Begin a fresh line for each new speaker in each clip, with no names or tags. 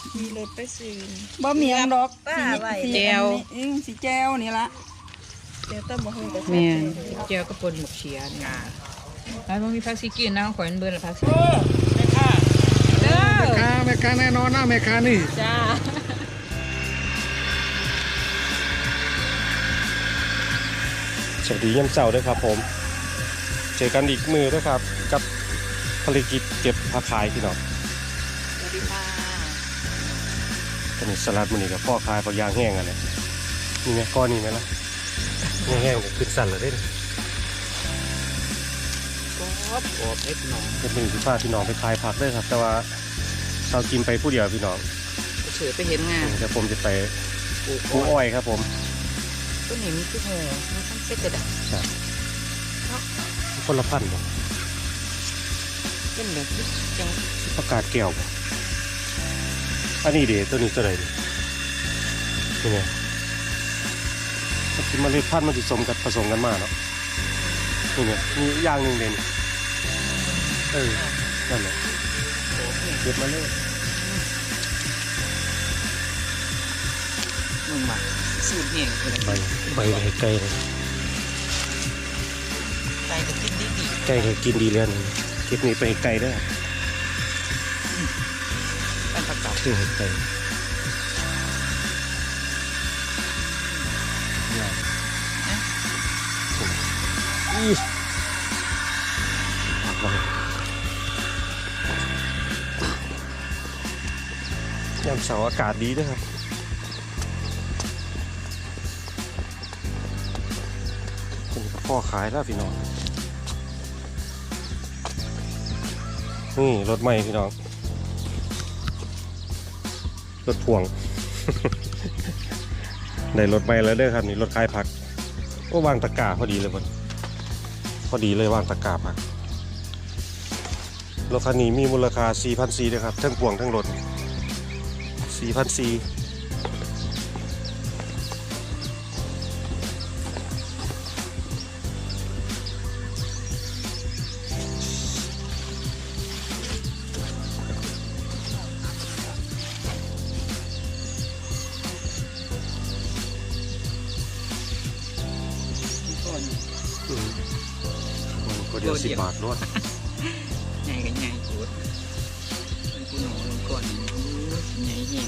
มีรถไปซื้อ
บ่มีอันดอก
ป้าไว้
แจวสีแจวนี่ละ
เดี๋ยวต้องมาหุ้นกับ
แม่เจียวก็ปนหมกเชียงาแล้วมันมีผักซีกินนะขอยมันเบิร์นผักซีแม่ค่ะเด้อ
แม่ค้าแน่นอนนะแม่ค้านี่
จ้า
สวัสดียามเช้าด้วยครับผมเจอกันอีกมือด้วยครับกับภารกิจเก็บผักขายพี่น้อง
สวัสดีค่ะ
ตอนนี้สลัดมันนี่กับพ่อขายผักยางแห้งอะไรนี่ไงก้อนนี่ไหมล่ะแห้งๆขึ้นสั่นเลยเด้
กรอบเล็กน้อย
เป็นมือที่พาพี่น้องไปขายผักด้วยครับแต่ว่าเรากินไปผู้เดียวพี่น้อง
เฉยไปเห็นงาน
เดี๋ยวผมจะไป
ปลูก
ผู้อ้อยครับผม
ต้นนี้มีทุกหัวมีทั้งเซ็ตกระดาษ
ครับคนละพันบ่
เป็นแบบจัง
ประกาศแก้วบ่อันนี้เดี๋ยวตัวนี้ตัวไหนนี่ไงที่มาเล็ดพันธุ์มันผสมกันมาเนาะนี่ไงมีอย่างหนึ่งเด่นนั่นแหละ
โอ้เนี่ย
เก็บมาเลย
มึงมาสูตรเนี่ยเลย
ใบไปไกลเลย
ใจจะกินดี
ไกลให้กินดีแล้วนี่เก็บนี่ไปไกลเด้อ
เป็นประกอบ
คือให้ไกลอีผักไว้ยามเสาร์อากาศดีด้วยครับเป็นพ่อขายแล้วพี่น้องนี่รถใหม่พี่น้องรถพ่วง ได้รถใหม่แล้วเด้อครับนี่รถขายผักโอ้วางตะกร้าพอดีเลยบนพอดีเลยวางตะกร้าผักรถคันนี้มีมูลค่า 4,400 ด้วยครับทั้งพ่วงทั้งรถ 4,400ก็เดี๋ยว10 บาทรถ
ใหญ่กันใหญ่กูดกูหนูลงก่อนใหญ่เอง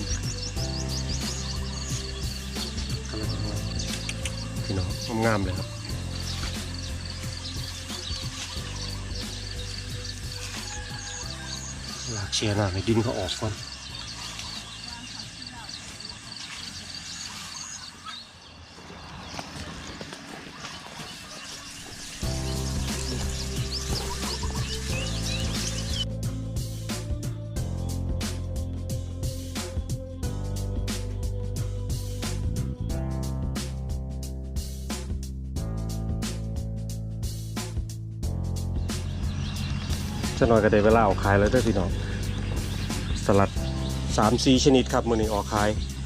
พี่น้องงามๆเลยครับหลากเชียร์หน่ะให้ดินเขาออกก่อนจะหน่อยก็ได้เวลาออกขายแล้วด้วยพี่น้องสลัด 3-4 ชนิดครับมื้อนี้ออกขาย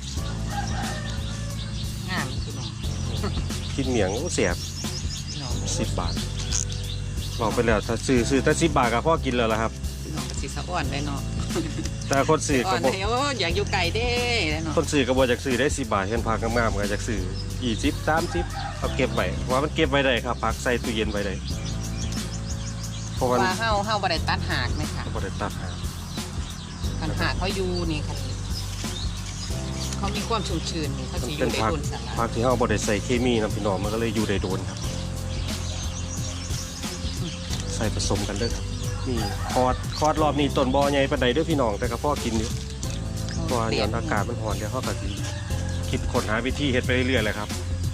งามคือน้อง
กินเหมียงเสียบ
น้อง
10 บาทบอกไปแล้วถ้าซื้อแต่10 บาทก็พอกินแล้วล่ะครับ
น้องกระสีสะอ่อนได้เนาะ
แต่คนซื้อ
อ่
ก็
อน
บ่
เดี๋ยวอยากอยู่ไกลเด้ได้เนาะ
คนซื้อก็บ่อยากซื้อได้10 บาทเห็นผักงามๆก็อยากซื้อ20 30เอาเก็บไว้ว่ามันเก็บไว้ได้ครับผักใส่ตู้เย็นไว้ได้เพราะว่า
ว่าเฮาบ่ได้ตัดหากไหมคะ
บ่ได้ตัดหา
ปัญหาเขาอยู่นี่ค่ะเขามีความชุ่มชื้นนี่เขาสิอ
เป็
ยู่
น
ได้
ผัก
โดนสาระ
ผักที่เราบ่ได้ใส่เคมีนะพี่น้องมันก็เลยอยู่ได้โดนครับใส่ผสมกันเด้อครับนี่คอดรอบนี้ต้นบ่อใหญ่ปานใดเด้อพี่น้องแต่ก็พอกินอยู่เพราะว่าย้อนอากาศมันร้อนเดี๋ยวเขาก็สิคิดค้นหาวิธีเฮ็ดไปเรื่อยๆเลยครับ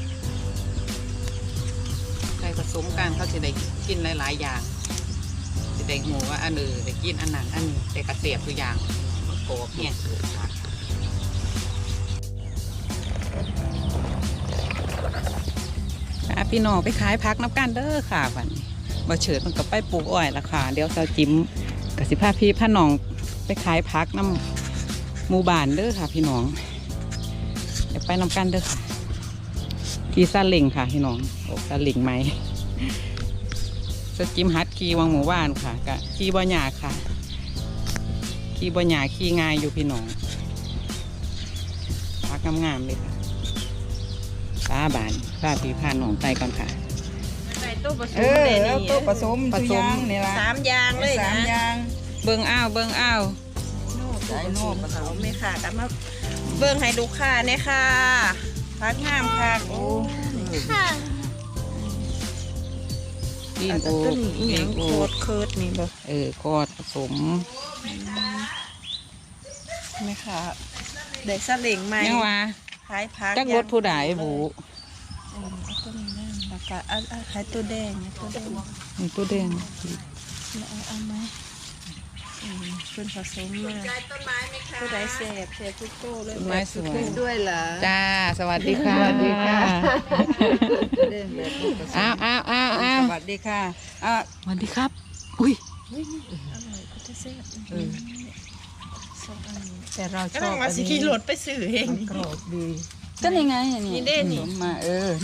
ใส่ผสมกันเขาสิได้กินหลายๆอย่างสิได้หูว่าอันได้กินอันนั้นอันนี้ได้กระเสียบตัวอย่างมันโกบเนี่ยพี่น้องไปขายพักน้ำกันเด้อค่ะวันนี้บ่เฉิดมันก็ไปปลูกอ้อยละค่ะเดี๋ยวเซาจิ้มกับสิพาพี่พาน้องไปขายพักน้ำหมู่บ้านเด้อค่ะพี่น้องเดี๋ยวไปน้ำกันเด้อค่ะขี่ซาเล้งค่ะพี่น้องโอ้ซาเล้งไหมเซาจิ้มฮัดขี่วังหมู่บ้านค่ะกะขี่บ่หยาค่ะขี่บ่หยาขี่ง่ายอยู่พี่น้องพักงามๆเลยค่ะป้าบานป้าพี่พาน้องไปก่อนค่ะ
ใส่ตู้ผสม
แล้วตัวผสม
ผ
ทุ
ส
ก
ม
อย่างนี่ละ
3 อย่างเลย
สา
นะ
มอย่าง
เบิ่งอ้าวเบิ่งอ้าว
ใส่โน่ผสมไม่ค่ะกันมาเบิ่งให้ลูกค้าเนี่ยค่ะพักงามค่ะโอ้ค่ะ
ดิน
อัน
โอ
ตัวนี้อีหยัง
โอ
โคตรเคิร์ดนี่บ่
คอดผสม
ไม่ค่ะได้สลิงใหม่
ยังว่า
ขายผัก
จักรถผู้ใดบุ
เอาตัวนี้นะแล้วก็เอาขายตัวแดงนะตัวแดง
นี่ตัวแดง
เอาไหมเป็นผสมมาผู้ใดเสพทุกโต้เลย
ต้นไม้สวย
ด้วยเหรอ
จ้าสวัสดีค่ะ
สวัสดีค่ะ
อ้าวอ้าวอ้าวอ้าว
สวัสดีค่ะ
สวัสดีครับ อุ้ย
อร่อยก็จะเสพสองอันนี้
แต่เราช
ก็
อ
ต้อบ งมาสิขี่รถไปซื้อเอง
กรอบดี ก็นี่ไง
นี่เด้นี่
ผสมมา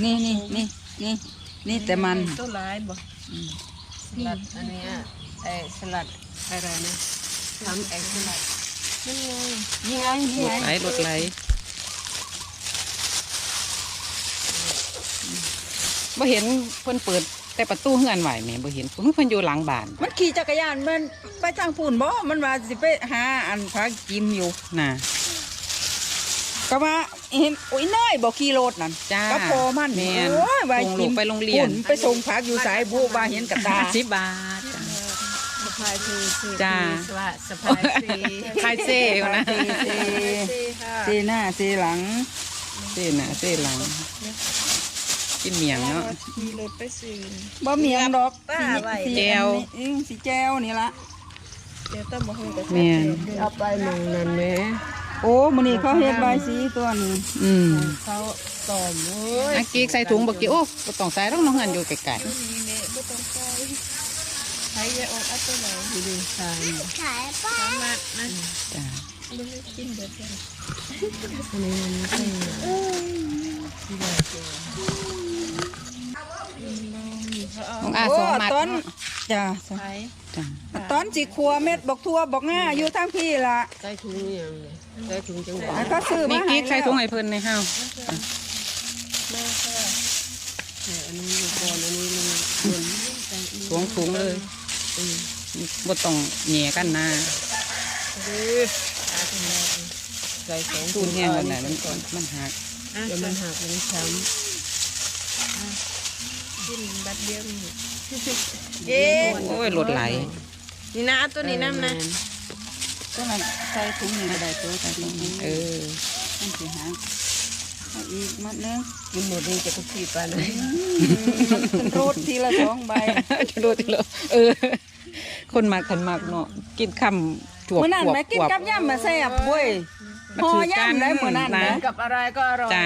นี่แต่มัน
ตัวร้ายบ่
สลัดอันเนี้ยสลัดอะไรนะทำสลัด
นี่ไง
นี่ไง
รถไหลบ่เห็นเพิ่นเปิดแต่ประตูเฮือนไหวแหม่บ่เห็นเพิ่นอยู่หลังบ้าน
มันขี่จักรยานมันไปทางฝุ่นบ่มันว่าสิไปหาอันพักกิมอยู่
น่ะ
ก็ว่าเห็นโอ้ยเนยบอกขี่รถนั่น
จ้า
ก็พอมัน
แม่น
โอ้ยว่า
ส่งลูกไปโรงเรียน
ฝุ่ไปส่งพักอยู่สายบุว่าเห็นกับตา
10 บาทจ้ะ
สะพายคือ
จ้า
สวัสสะพายสี
คายเซ่อยู่นะ
ค่ะ
เซหน้าเซหลัง
เซ่หน้าเซ่หลัง กินเมียงเนาะ
ขี่รถไปซื้อ
บ่มีหยังดอก
ป้าไว้
สี
แจว
สีแจวนี่ละ
เดี๋ยวต้องมาคุยกับ
แม่น
เอาไปหนึ่งนั่นไหม
โอ้มื้อนี้เขาเฮ็ดใบายสีตัวนี้
อืม
เขาตอมเว้ย
อักกีกใส่ถุงบ่กี่โอ้บ่ต้องใส่ต้องน้องเฮือนอยู่ไกล
นี่เมไม่ต้องใส่ใช้ยาออกอัตโนมัติ
ดูสาย
สามารถนะ
ๆจ้า
ไม่ได้กินเดี๋ยวจะ
อันนี้มันเป็น
น้องอาสองมัด
ต้น
เนาะ
จ้ะ
ใช้
จ้า
ต้นสิขัวเม็ดบอกทั่วบอกง่าอยู่ทางพี่ล่ะ
ใส่ถุงอย่างเลยใส่ถุงจังหวะ
แล้วก็ซื้อ
นี่
มา
กิ๊
ให้
กใส่ถุงให้เพิ่นในห้าว
แม่ค่ะ
อันนี้อยู่ก่อนอันนี้มันบน
ถุงเลยบ่ต้องแหย่กันนะ
ใส่สอง
ตูนแห้งกันไหนมันหัก
เดี๋ยวมันหักมันช้
กินบัดเดียวนี่
โอ้ยรถไหล
นี่นะตัว
ำ
นี้น้ำนะ
ต้นนั้นใส่ถุงนี่ก็ได้ตัวใส่ถุงนี้
เออ
มันสิหาเอาอีกมัดหนึง
กินหมดนี่จะก็ขีดไปนะ
มันเป็นรูดทีละ2ใบ
จะรู้ติเลยคนมากคนมากเนาะกินคำจวบ
มื้อนั้น
จวบ
แม่กินกับย่ำมาแซ่บเว้ย
มัน
ห่อ
คือกัน
ย่ำได้มื้อนั้นนะ
กับอะไรก็อร่อย
จ้า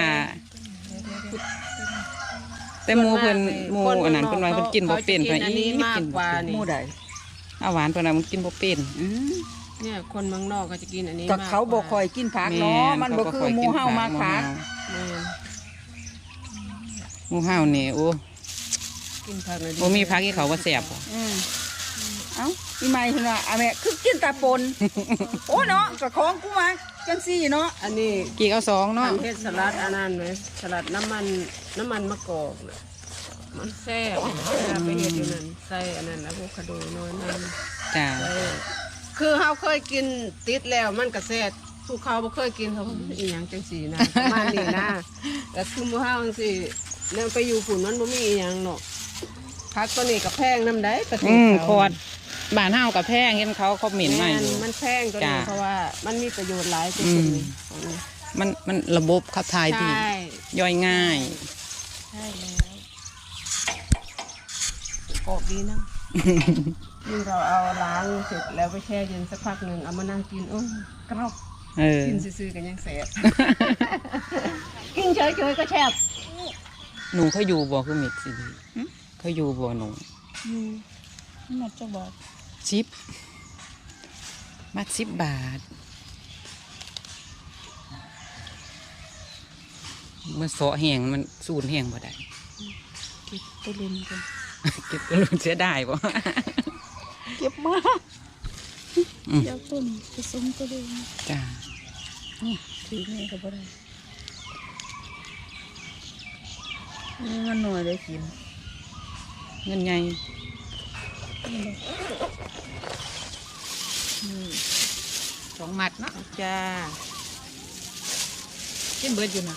แต่หมูเพิ่นหมูอันนั้นเพิ่นว่าเพิ่นกินบ่เป็น
เขา
เพิ่น
จะกินอันนี้มากกว่า
หมู่ใด
เอาหวานเพิ่นว่ามันกินบ่เป็น
เนี่ยคนเมืองนอกก็จะกินอันนี้
ก็เขาบ่ค่อย
ม
กินผักเนาะมันบ่คือหมู่เฮามาผัก
ากแม่น
หมูเฮานี่โอ้
กินผักเลย
บ่มีผักที่เขาว่าแซ่บบ่
เอ้าอีใหม่เพิ่นว่าอ่ะแม่คือกินแต่ปน โอ้เนาะก็ของกูมาจังซี่เนาะ
อันนี้
กี่เอาสองเนาะ
ทำเฮ็ดสลัดอันนั้นไหมสลัดน้ำมันมะกอกน่ะมันแซ่บเวลาไปเฮ็ดอยู่นั่นใส่อันนั้นอะโวคาโดน้อยนั่น
จ้า
ใส่คือเฮาเคยกินติดแล้วมันก็แซ่บผู้เขาบ่เคยกินเขาบอกอีหยังจังซี่นะประมาณนี้นะแต่คือหมู่เฮาจังซี่แล้วไปอยู่ฝุ่นมันบ่มีอีหยังหรอกผักตัวนี้ก็แพงนำได้ประเทศเขา
คอดบ้านเฮากับแพงเห็นเขาคอมเมนต์มาอยู่
มันแพงตัวนี้
จ้ะ
เพราะว่ามันมีประโยชน์หลายตัวนี้ของนี้
มันระบบขับถ่ายดี
ใช่
ย่อยง่าย
ใช่แล้วกรอบดีนะยิ่งเราเอาล้างเสร็จแล้วไปแช่เย็นสักพักหนึ่งเอามานั่งกินโอ้กรอบ
เออ
กินซื่อๆกันยังแสบ กินเฉยๆก็แซ่บ
หนูเขาอยู่บ่คือมิดสิดีเขาอยู่บ่หนู
หมดจะบอก
มัด10 บาทมันเสาะแห้งมันสูนแห้งบ่ได้
ตัวลุนกัน
เก็บกระลุนเสียดายบ่
เก็บมาก
อืม
เดี๋ยวต้นผสมตัวลุน
จ้า
ถือแม่ก็บ่ได้
นี่มันหน่อยได้กิน
เงินไง 2 มัดเนาะ
จ้า
กินเบิดอยู่นะ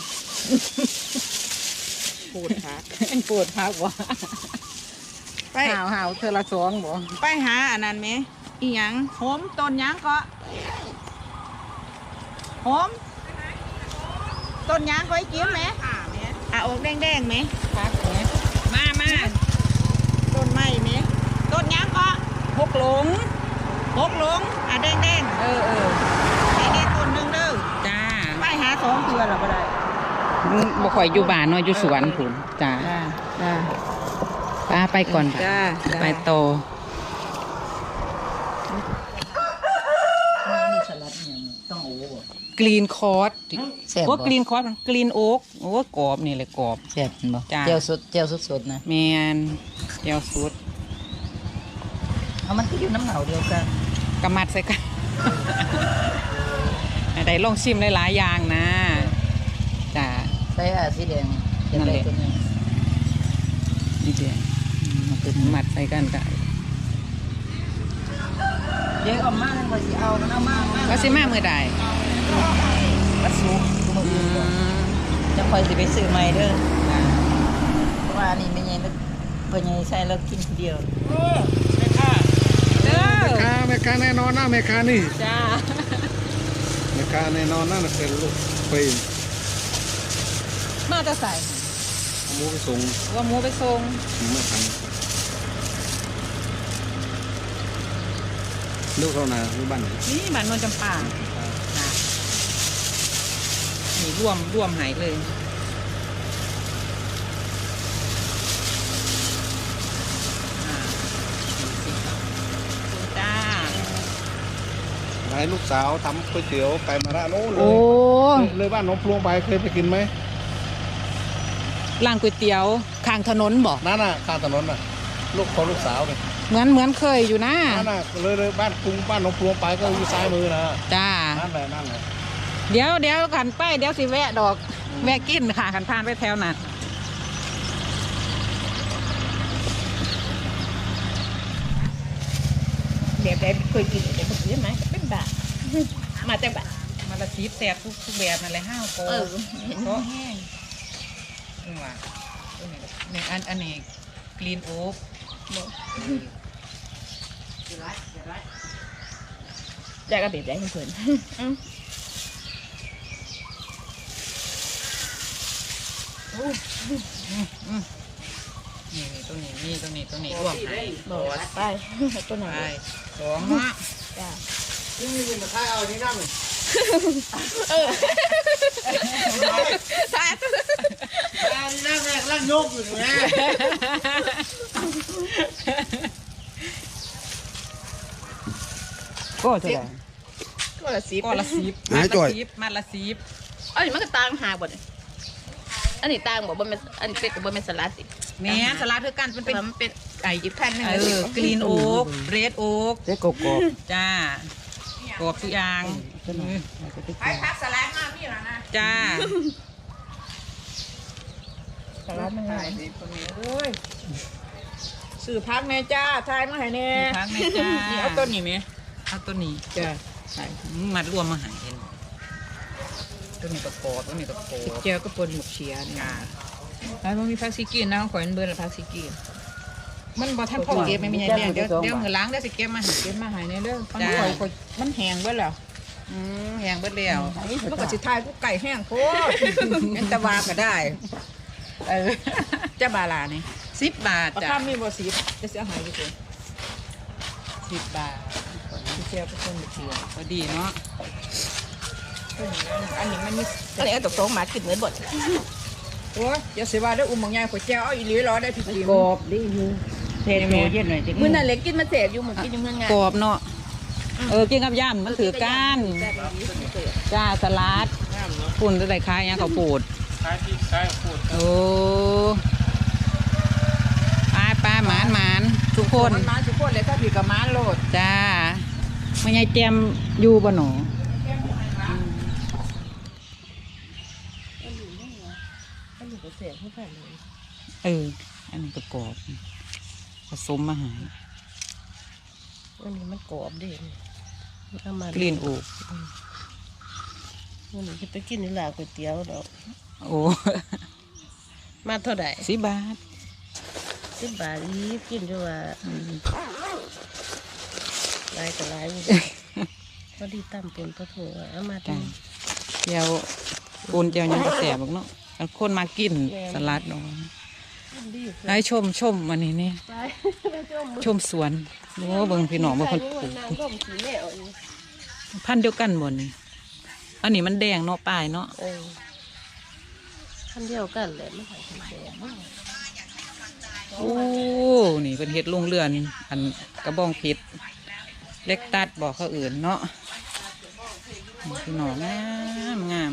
ปูดผัก
ปวดพักบ่
ไป
หาวเธอละ2บ่
ไปหาอันนั้นไหมอีหยังโหมต้นหยังก็โหมต้นหยังก็ให้กินไหมอ่ะออกแดงๆไหม
พักเนี่ยมา
ต้นไม้ไหมต้นหยังก็
พกหลง
หกหลงอ่ะแดง
เออ
ๆไอ้นี่ต้นหนึงเด้อ
จ้า
ไปหา2เทื่อหรอบ่ได้
บ่ค่อยอยู่บ้านเนาะอยู่สวนพุ่นจ้า
จ้า
ป้าไปก่อน
จ้า
ไปต่อ
นี่สลัดเนี่ยต้องโอ้บ่
กรีนคอร์ส
แซ่บบ่
ว่ากรีนคอร์สกรีนโอ๊กโอ้กรอบนี่เลยกรอบ
แซ่บบ่
จ้า
เจียวสดๆนะ
แมนเจียวสุด
เอามันก็อยู่น้ำเหนาเดียวกัน
กำมัดใส่กัน ได้ลองชิมหลายๆอย่างนะจ้า
ใส่สีแดง
นั่นแหละ
ตัวนี้
ดีเดียวมัดใส่กันกัน
เดี๋ยวเอามาว่าสิเอามันเอามา
ก็สิมาเมื่อใด
วัดสุกมื้อ
อื
อื่น
ม
จะค่อยสิไปซื้อใหม่เด้อ
จ้า
เพราะว่านี่แม่ใหญ่นึกเพิ่นใหญ่ใส่แล้วกินผู้เดียว
เด้อ
แม่ค้าแน่นอนนะแม่ค้านี่
จ้า
แม่ค้าแน่นอนนะเป็นลูกไป
มาจะใส่
หมูไปส่ง
ว่าหมูไปส่ง
ไม่ทันลูกเขานาลูกบ้านไหน
นี่บ้านนวลจำปาจ้านี่รวมหายเลยจ้า
ให้ลูกสาวทำก๋วยเตี๋ยวไก่มะระโน้นเล
โอ้
ยเลยบ้านหน้องพลวงไปเคยไปกินไหม
ร้านก๋วยเตี๋ยวข้างถนนบอก
นั่นน่ะข้างถนนน่ะลูกของลูกสาวเลย
เหมือนเคยอยู่นะ
นั่นน่ะเลยบ้านกรุงบ้านหน้องพลวงไปก็อยู่ซ้ายมือนะ
จ้า
นั่นแหละนั่นแหละ
เดี๋ยวขันไปเดี๋ยวสิแวะดอก แวะกินค่ะขันผ่านไปแถวนั้น
แบบใดเคยกินแต่บ่กินไหมเป็นบาทมาแต่บาท
มาละซีบแสบทุกแบบนั่นเลยห้าวโก เพราะแห้งนี่ว่านี่อันนี้กรีนโอ๊ก
แจกก็แบบใดเพิ่น
นี่ตัวนี้รวมให้
บอกไปตัวไหน
ไปสองเนาะ
จ้า
นี่เป็นมาท้ายเอาที่นั่นเลย
ท้าย
นั่งแรกนั่งยกอยู่นะ
ก็จะได้
ก็ละ10
ก็ละซีบมัดละซีบ
อันนี้มันก็ต่างหากบ่เนี่ยอันนี้ต่างบ่แม่นอันนี้เป็ดกับบ่แม่นสลัดสิ
แม่สลัดคือกันมันเป็น
มันเป็นไก่อีกแผ่นหนึง
กรีนโอ๊กเรดโอ๊ก
เจ๊กบ
จ้ากรอบทุกอย่าง
ไปพักสลัดมาพี่ล่ะนะ
จ้า
สลัดมันง่ายสิคนนี้เอ้ยซื้อพักแม่จ้าทายมาให้แน่
พักแม่จ้า
นี่เอาต้นนี้ไหม
เอาตัวนี้
จ้า
ใช่มัดรวมมาใหายเห็นตัวนี้ก็กรอบตัวนี้ก็กรอบ
เจียวก็ปนหมกเชียนี่แล้วมันมีผักซีกินนะข่อยมันเบิ่นละผักซีกิน
มันบ่ทันพอเก็บไม่มีไงเดี๋ยวมือล้างเดี๋ยวสิเก็บมาให้
เก็บมาให้แน่เด้อมัน
จ้า
ข่อยมันแห้งเบิดแล้ว
แหงเบิดแล้ว
มันก็สิทายกูไก่แห้งโคตรเป็นตะวาก็ได้จะบาลานี่
10 บาท
เอา
จ้ะ
ข้ามมีบ่สิจะเสียหายอยู่ตัว
10 บาท
สิเสียไปคนเดียว
พอดีเนาะ
อันนี้มันมีอันนี้เอาตกๆมากินเหมือนบดโอ้ยอย่าเสียว่าได้อุ้มบางอย่างข่อยแจ้วเอาอีหลีรอได้พี่กิน
กรอบดีอยู่เทโมเย็นหน่อยจะ
มื้อนั้นเล็กกินมาเสพอยู่หมึงกินอยู่เมืองงาน
กรอบเนาะกินกับย่ำมันถือก้านจ้าสลัดปุ่นอะไรคล้ายอย่างเขาวปูด
ขายที่ขายพูด
โอ้ไปหมานทุกคน
มันมาทุกคนเลยถ้าพี่กับม้าโลด
จ้าไม่ใช่เจมอยู่บ่หนู
อันนี้ก็เสพให้แฟนเลย
อันนี้ก็กรอบผสมมาหา
อันนี้มันกรอบเด่นเอามาก
ลิ่นโอก
อันนี้จะไปกินในร้านก๋วยเตี๋ยวดอก
โอ้
มาเท่าไหร่
10 บาท
10 บาทอีกกินด้วยว่าหลายก็หลายอยู่พอดีตั้มปนปลาทูเอามา
จ้ะ
ทำ
เจียวปูนเจียวยังกระแสบกเนาะคนมากินสลัดเนาะ
ดี
ให้ชมวันนี้นี่
ไป
ชมสวนโอ้เบิ่งพี่น้องเบิ่งคนปลูก
นางร่มสีแม่เอาอยู่
พันธุ์เดียวกันหมดนี่อันนี้มันแดงเนาะปลายเนาะ
คันเดียวกันแหละไม่ใส่ถุงแดง
โอ้นี่เป็นเห็ดลงเรือนอันกระบองเพชรเล็กตัดบอกเขาอื่นเนาะพี่น้องงาม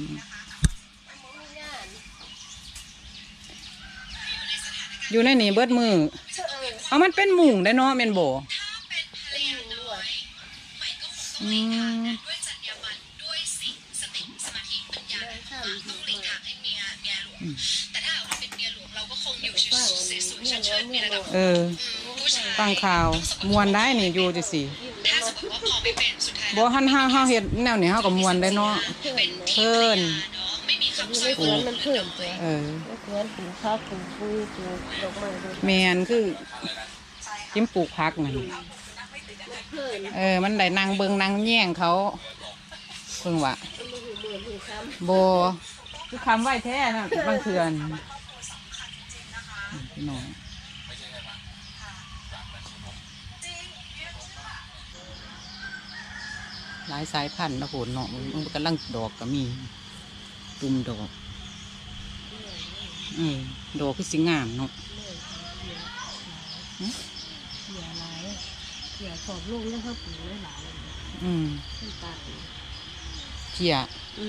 อยู่ในนี่เบิดมือเอามันเป็นหมุงได้เนาะเมนโบอืมฟังข่าวมวนได้นี่อยู่จังสิบ่หันห้าเฮ็ดแนวนี้เฮาก็มวนได้เนาะเพิ่น
ไม่เพื่อนมันเพิ่มตัว
ไม่
เพื่อนปลูกข้าวปลูกปุ้ยปลูกดอกไม้ด้วย
แม่นคือจิ้มปลูกผักนั่นมันได้นางเบิงนางแย่งเขาเพิ่งว่าบ่คือคำไหวแท้น่ะบางเทื่อนพี่น้องหลายสายพันธุ์นะโหนเนาะมันกำลังดอกก็มีตุ่มดอกดอกคือสิงามเนาะ
เสียหลายเสียขอบลูกแล้วเขาปลูกหลายขึ้นตา
เขี่ย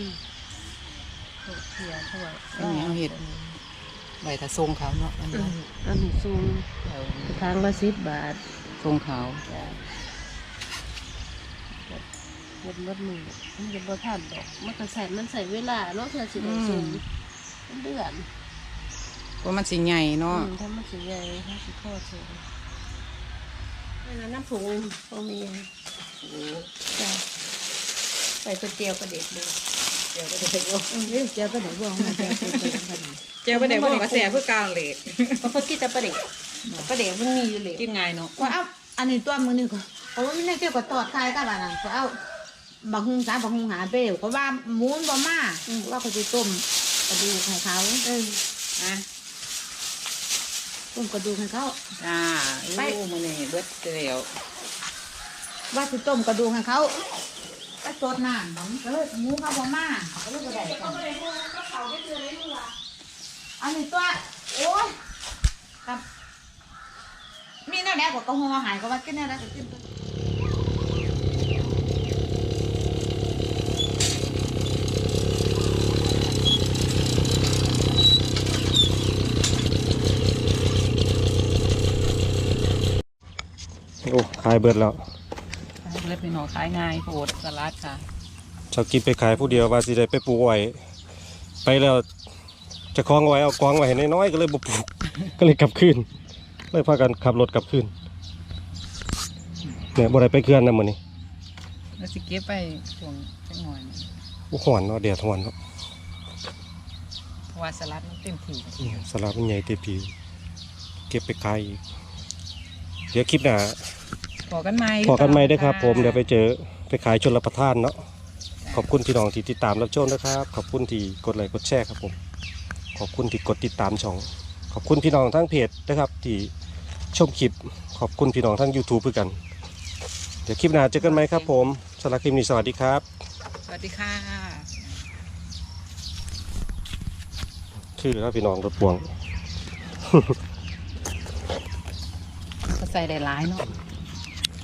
เสียเท่าไหร่
อันนี้เอาเห็ดใบตะทรงเขาเนาะอันนี้
อันนี้ซูงทางละ10 บาท
ทรงเขา
เงินมัดมือมันจะบ่ทันดอกมันก็ใส่เวลาเนาะเพื่อสิได้ซูงเดือน
เพราะมันสิใหญ่เนาะ
ถ้ามันสิใหญ่ถ้าสิทอดสูงน้ำผงโอมีจ้ะใส่ก๋วยเตี๋ยวกระเด็ดเลยเตี๋ยวกระเด็ดว่าเตี๋ยวกระเด็ดว่าเตี๋ยวกระเด็ด
เจ้าประเดี๋ยวบอกกระแสเพื่อกลางเหล็ก
เพราะกินแต่ประเด็ดมันมีอยู่เลย
กินไงเนาะ
ก็เอาอันนี้ตัวมือนึงก็เพราะว่าไม่ได้เกี่ยวกับตอดไข่กับอันนั้นก็เอาบักฮุงสาบักฮุงหาเปรี้ยวก็ว่าหมูนบ่มาว่าเขาจะต้มกระดูกให้เขา
นะ
ต้มกระดูกให้เขา
จ้าไปมื้อนี้เบิดเดียว
ว่าจะต้มกระดูกให้เขาก็สดน้ำมันก็เลยหมูเขาบ่มาก็เลยบ่ได้กันอันนี้ตัวโอ้ยกับมีแน่ๆก็หัวหายก็ว่ากินแน่ๆก็กินตัว
โอ้ขายเบิดแล้ว
เล็บพี่น้องขายง่ายโพดสลัดค่ะ
ชาวกินไปขายผู้เดียวว่าสิได้ไปปลูกไว้ไปแล้วจะคล้องไว้เอากองไว้ให้น้อยๆก็เลยบ่ปลูก ก็เลยกลับคืนเลยพากันขับรถกลับคืนเนี่ยบ่ได้ไปเคื่อนนะมื้อนี้
แล้วสิเก็บไปช่วงจังหน่อย
โอ้ฮ้อนเนาะแดดฮ้อนเนาะ
เพราะว่าสลัดมันเต็มที่
สลัดมันใหญ่เต็มทีเก็บไปขายอีกเดี๋ยวคลิปหน้า
พอกันไหม
พอกันไหมด้วยครับผมเดี๋ยวไปเจอไปขายชลประทานเนาะขอบคุณพี่น้องที่ติดตามรับชมนะครับขอบคุณที่กดไลค์กดแชร์ครับผมขอบคุณที่กดติดตามช่องขอบคุณพี่น้องทั้งเพจนะครับที่ชมคลิปขอบคุณพี่น้องทั้ง YouTube ด้วยกันเดี๋ยวคลิปหน้าเจอกันไหมครับผมสำหรับคลิปนี้สวัสดีครับ
สวัสดีค่ะ
ชื่อครับพี่น้องรถพวง
ก็ใส่ได้หลายเนาะ